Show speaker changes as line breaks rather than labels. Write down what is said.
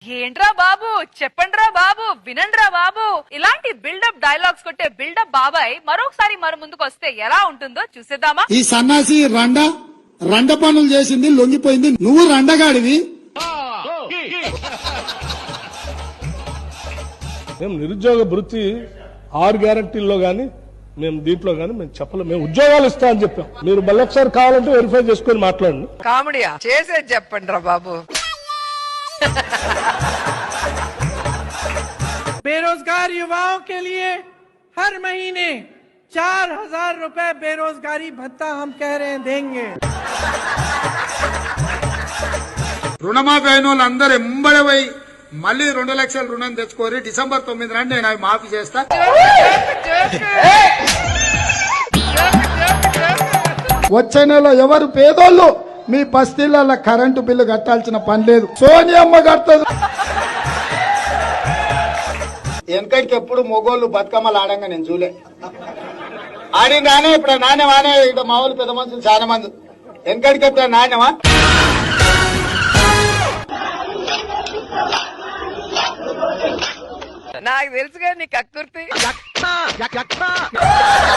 ఏంట్రా బాబు, చెప్పండ్రా బాబు, వినండ్రా బాబు, ఇలాంటి buildup dialogues కొట్టే బిల్డప్ బాబాయ్ మరొకసారి మన ముందుకు వస్తే ఎలా ఉంటుందో చూసేద్దామా.
ఈ సన్నాసి రండ పనులు చేసింది, లొంగిపోయింది. నువ్వు రండగాడివి.
మేము నిరుద్యోగ భృతి 6 గ్యారంటీల్లో గానీ మేము దీంట్లో గానీ మేము చెప్పలేం. మేము ఉద్యోగాలు ఇస్తా అని చెప్పాం. మీరు మళ్ళీ ఒకసారి కావాలంటే వెరిఫై చేసుకొని మాట్లాడండి.
కామెడీయా చేసేది చెప్పండి రా బాబు.
बेरोजगार युवाओं के लिए हर महीने 4,000 रुपए बेरोजगारी भत्ता हम कह रहे हैं देंगे.
రుణమాఫీ అయిన వాళ్ళందరూ ఎంబడి పోయి మళ్ళీ 2 లక్షల రుణం తెచ్చుకోరి. డిసెంబర్ 9 నాడు నేను అవి మాఫీ చేస్తా. వచ్చే నెల ఎవరు పేదోళ్ళు మీ బస్తీల కరెంటు బిల్లు కట్టాల్సిన పని లేదు, సోనియమ్మ కట్టదు. వెనకటికి ఎప్పుడు మొగోళ్ళు బతుకమ్మలు ఆడంగా నేను చూలే. ఆడిందానే ఇప్పుడు నాణ్యమానే. ఇక్కడ మా వాళ్ళు పెద్ద మనుషులు చాలా మంది. వెనకటికి ఎప్పుడు నాణ్యమా?
నాకు తెలుసుగా నీ కక్కుర్తి.